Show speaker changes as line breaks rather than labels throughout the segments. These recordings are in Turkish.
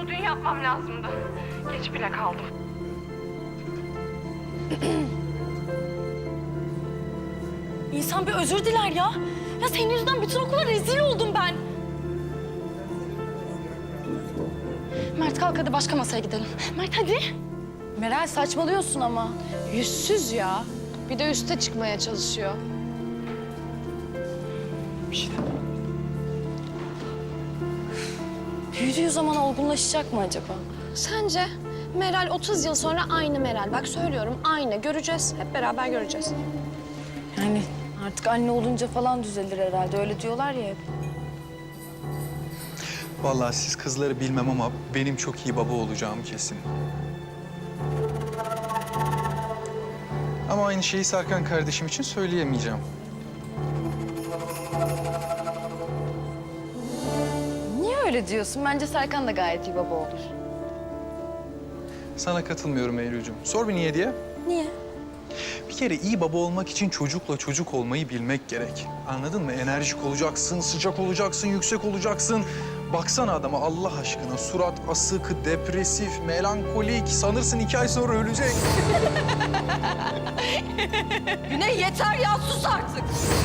bunu dün yapmam lazımdı. Geç bile kaldım.
İnsan bir özür diler ya. Ya senin yüzünden bütün okula rezil oldum ben. Mert kalk hadi başka masaya gidelim. Mert hadi.
Meral saçmalıyorsun ama. Yüzsüz ya. Bir de üste çıkmaya çalışıyor.
Büyüdüğü zaman olgunlaşacak mı acaba?
Sence Meral 30 yıl sonra aynı Meral. Bak söylüyorum aynı. Göreceğiz. Hep beraber göreceğiz.
Yani artık anne olunca falan düzelir herhalde. Öyle diyorlar ya hep.
Vallahi siz kızları bilmem ama benim çok iyi baba olacağım kesin. Ama aynı şeyi Serkan kardeşim için söyleyemeyeceğim.
Niye öyle diyorsun? Bence Serkan da gayet iyi baba olur.
Sana katılmıyorum Eylül'cüğüm. Sor bir niye diye.
Niye?
Bir kere iyi baba olmak için çocukla çocuk olmayı bilmek gerek. Anladın mı? Enerjik olacaksın, sıcak olacaksın, yüksek olacaksın. Baksana adama Allah aşkına. Surat asık, depresif, melankolik. Sanırsın 2 ay sonra ölecek.
Güney yeter ya sus artık.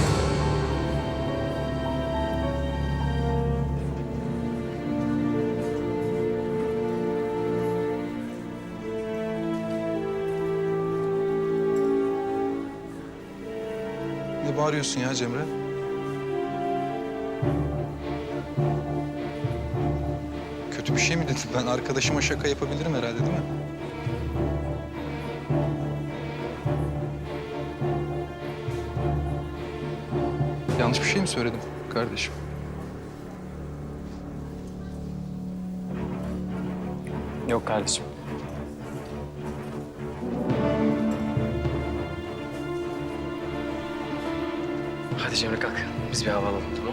Ne bağırıyorsun ya Cemre? Kötü bir şey mi dedin? Ben arkadaşıma şaka yapabilirim herhalde değil mi? Yanlış bir şey mi söyledim kardeşim?
Yok kardeşim. Hadi Cemre kalk. Biz bir hava alalım tamam?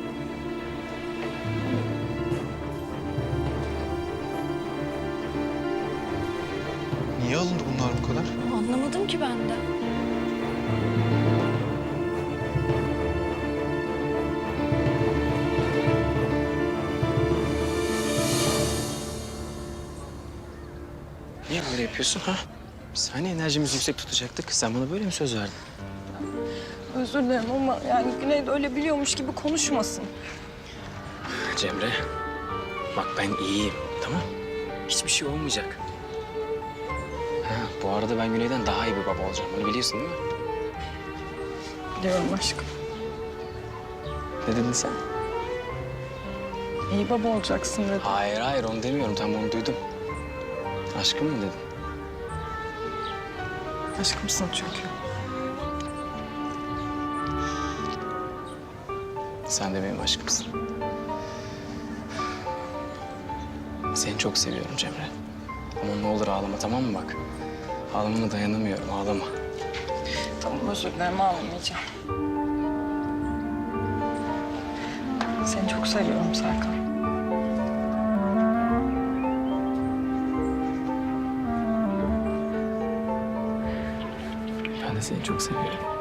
Niye alındı bunlar bu kadar?
Anlamadım ki ben de.
Niye böyle yapıyorsun ha? Biz hani enerjimizi yüksek tutacaktık. Sen bana böyle mi söz verdin?
Özür dilerim ama yani Güney de öyle biliyormuş gibi konuşmasın.
Cemre, bak ben iyiyim tamam? Hiçbir şey olmayacak. Ha, bu arada ben Güney'den daha iyi bir baba olacağım. Bunu biliyorsun değil mi?
Biliyorum aşkım.
Ne dedin sen?
İyi baba olacaksın dedi.
Hayır hayır onu demiyorum. Tam onu duydum. Aşkım mı dedin?
Aşkımsın çünkü.
Sen de benim aşkımsın. Seni çok seviyorum Cemre. Ama ne olur ağlama tamam mı bak? Ağlamana dayanamıyorum ağlama.
Tamam özür dilerim ağlamayacağım. Seni çok seviyorum Serkan.
Ben de seni çok seviyorum.